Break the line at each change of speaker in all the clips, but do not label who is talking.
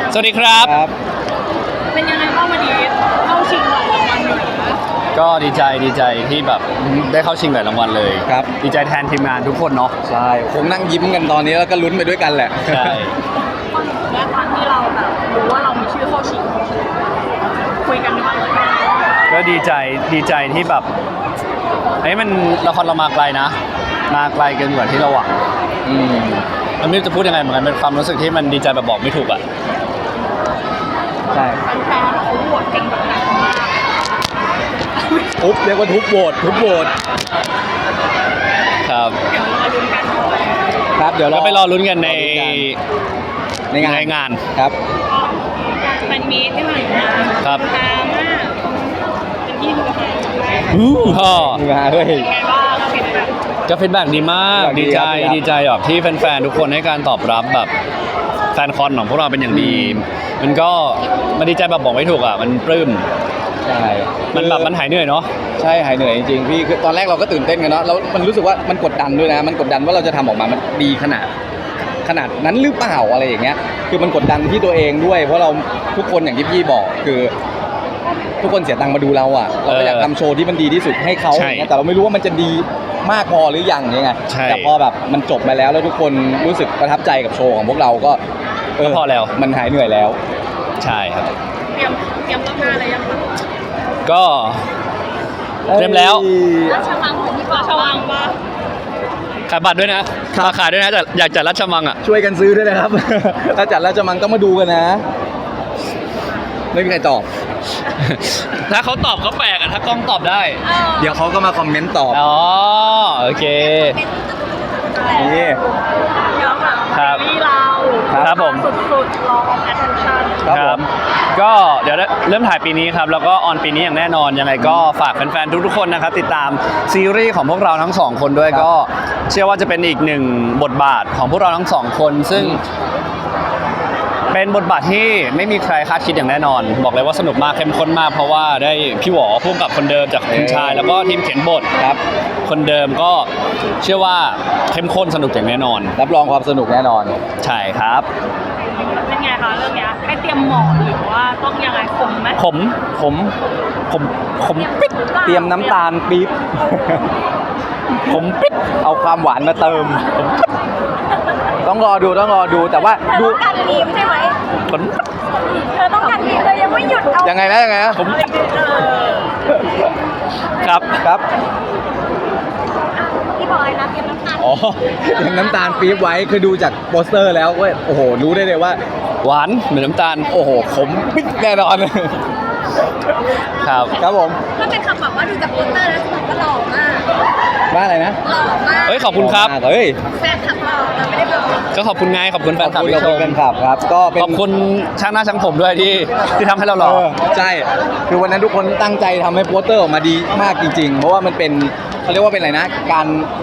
สวัสดีครับ
เป็นยังไงบ้างวันนี้เข้าชิงหลายรางวัลอยู่นะ
ก็ดีใจที่แบบได้เข้าชิงหลายรางวัลเลย
ครับ
ดีใจแทนทีมงานทุกคนเนาะ
ใช่คงนั่งยิ้มกันตอนนี้แล้วก็ลุ้นไปด้วยกันแหละ
ใช่
และตอนที่เราแบบรู้ว่าเรามีชื่อเข้าชิงคุยกันบ้างเลย
ก็ดีใจที่แบบมันละครเรามาไกลนะมาไกลเกินกว่าที่เราหวังมันไม่รู้จะพูดยังไงเหมือนกันเป็นความรู้สึกที่มันดีใจแบบบอกไม่ถูกอ่ะ
ใช่
แฟนๆเขาโหวตเก่งแบบนั้นมาก
เรียกว่าทุบโหวต
ครับ
เดี๋ยวรอลุ้นกัน
ครับเดี๋ยว
เราไปรอลุ้นกันในงาน
ครับ
มันมีที่ผ่านมา
ครับ
ตามมากเป็นที่ดูหาย
พ่อ
เฮ้ย
ไงบ้างฟีดแบ็ก
ก็ฟีดแบ็กดีมากดีใจแบบที่แฟนๆทุกคนให้การตอบรับแบบแฟนคอนของพวกเราเป็นอย่างดีมันก็มันดีใจแบบบอกไม่ถูกอ่ะมันปลื้ม
ใช่
มันแบบมันหายเหนื่อยเนาะ
ใช่หายเหนื่อยจริงๆพี่คือตอนแรกเราก็ตื่นเต้นกันเนาะแล้วมันรู้สึกว่ามันกดดันด้วยนะมันกดดันว่าเราจะทำออกมามันดีขนาดนั้นหรือเปล่าอะไรอย่างเงี้ยคือมันกดดันที่ตัวเองด้วยเพราะเราทุกคนอย่างที่พี่บอกคือทุกคนเสียตังค์มาดูเราอ่ะเราก็อยากทำโชว์ที่มันดีที่สุดให้เขาอย่างเงี้ยแต่เราไม่รู้ว่ามันจะดีมากพอหรือยังยังไงแต่พอแบบมันจบมาแล้วทุกคนรู้สึกประทับใจกับโชว์ของพวกเราก็
พอแล้ว
มันหายเหนื่อยแล้ว
ใช่ครับ
เตรียมรอบหน้าอะไรยังคะ
ก็เตรียมแล้ว
ราชมังของพี่ปอชวังปะ
ขายบัตรด้วยนะขายด้วยนะแต่อยากจัดราชมังอ่ะ
ช่วยกันซื้อด้วยนะครับถ้าจัดราชมังต้องมาดูกันนะไม่มีใครตอบ
ถ้าเขาตอบเขาแปลกอ่ะถ้ากล้องตอบได้
เดี๋ยวเขาก็มาคอมเมนต์ตอบ
อ๋อโอเค
นี่
ครับครับผม
สุดๆรอ attention
ครับก็เดี๋ยวเริ่มถ่ายปีนี้ครับแล้วก็ออนปีนี้อย่างแน่นอนยังไงก็ฝากแฟนๆทุกๆคนนะครับติดตามซีรีส์ของพวกเราทั้งสองคนด้วยก็เชื่อว่าจะเป็นอีกหนึ่งบทบาทของพวกเราทั้งสองคนซึ่งเป็นบทบาทที่ไม่มีใครคาดคิดอย่างแน่นอนบอกเลยว่าสนุกมากเข้มข้นมากเพราะว่าได้พี่หวอพุ่งกับคนเดิมจากคุณชายแล้วก็ทีมเขียนบท
ครับ
คนเดิมก็เชื่อว่าเข้มข้นสนุกอย่างแน่นอน
รับรองความสนุกแน่นอน
ใช่ครับ
เป็นไงคะเรื่องนี้ให้เตรียมหมอนหรือว่าต้องยังไงขมไหม
ขมปิ๊ด
เตรียมน้ำตาลปี๊บ
ขมปิ๊ด
เอาความหวานมาเติมต้องรอดูแต่ว่า
ดูการทีมใช่ไหมเธอต้องการทีมเธอยังไม่หยุดเอา
ยังไงนะ
ผมครับ
พี่บอยนะเตรียมน้ำตาล
เตรียมน้ำตาลปี๊บไว้คือดูจากโปสเตอร์แล้วก็โอ้โหรู้ได้เลยว่า
หวานเหมือนน้ำตาล
โอ้โหขมปิ๊ดแน่นอนครับผม
ถ้าเป็นคำบอกว่าดูจากโปสเตอร์แล้วผมก็หล่อมาก
ว่าอะไรนะ
หล่อมาก
ขอบคุณครับ
แฟนคลับเราไม่ได้บอก
ก็ขอบคุณไงขอบคุณแฟนคลับที่ชม
ครับก็
ขอบคุณช่างหน้าช่างผมด้วยที่ทำให้เราหล่อ
ใช่คือวันนั้นทุกคนตั้งใจทำให้โปสเตอร์ออกมาดีมากจริงๆเพราะว่ามันเป็นเขาเรียกว่าเป็นอะไรนะการ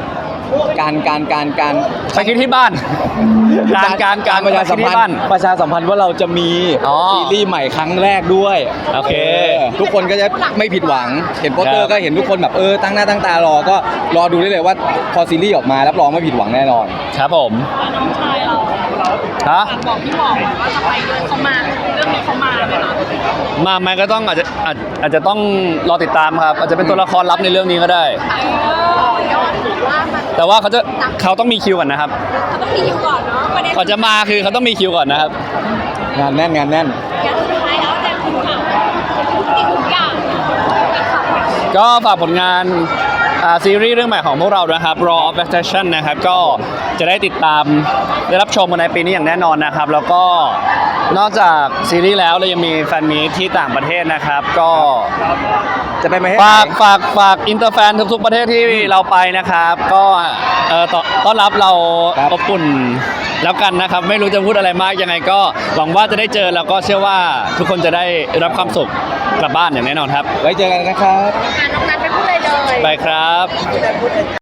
ไปคิดที่บ้านการ
ประชาสัมพันธ์ว่าเราจะมีซีรีส์ใหม่ครั้งแรกด้วย
โอเค
ทุกคนก็จะไม่ผิดหวังเห็นโปสเตอร์ก็เห็นทุกคนแบบตั้งหน้าตั้งตารอก็รอดูได้เลยว่าพอซีรีส์ออกมารับรองไม่ผิดหวังแน่นอน
ครับผม
น้องชายเราบอกพี่หมอว่าจะไปด้วยเขามาเรื่องนี้เขามาไหมคะ
มาไหมก็ต้องอาจจะต้องรอติดตามครับอาจจะเป็นตัวละครลับในเรื่องนี้ก็ได้แต่ว่าเขาต้องมีคิวก่อนนะครับ
เขาต้องมีคิวก่อนเนาะ
ก่อนจะมาคือเขาต้องมีคิวก่อนนะครับ
งานแน่น
อย่างสุดท้ายแล้วแต่คุณค่ะทุกอย่าง
ก็ฝากผลงานซีรีส์เรื่องใหม่ของพวกเรานะครับ Raw of Attraction นะครับก็จะได้ติดตามได้รับชมกันในปีนี้อย่างแน่นอนนะครับแล้วก็นอกจากซีรีส์แล้วเรายังมีแฟนมีตที่ต่างประเทศนะครับก็
จะไปไหม
ฝากอินเตอร์แฟนทุกๆประเทศที่เราไปนะครับก็ต้อนรับเราอบอุ่นแล้วกันนะครับไม่รู้จะพูดอะไรมากยังไงก็หวังว่าจะได้เจอแล้วก็เชื่อว่าทุกคนจะได้รับความสุขกลับบ้านอย่างแน่นอนครับ
ไว้เจอกันนะครับ
น้องนัทไปพูดเลย
ไปครับ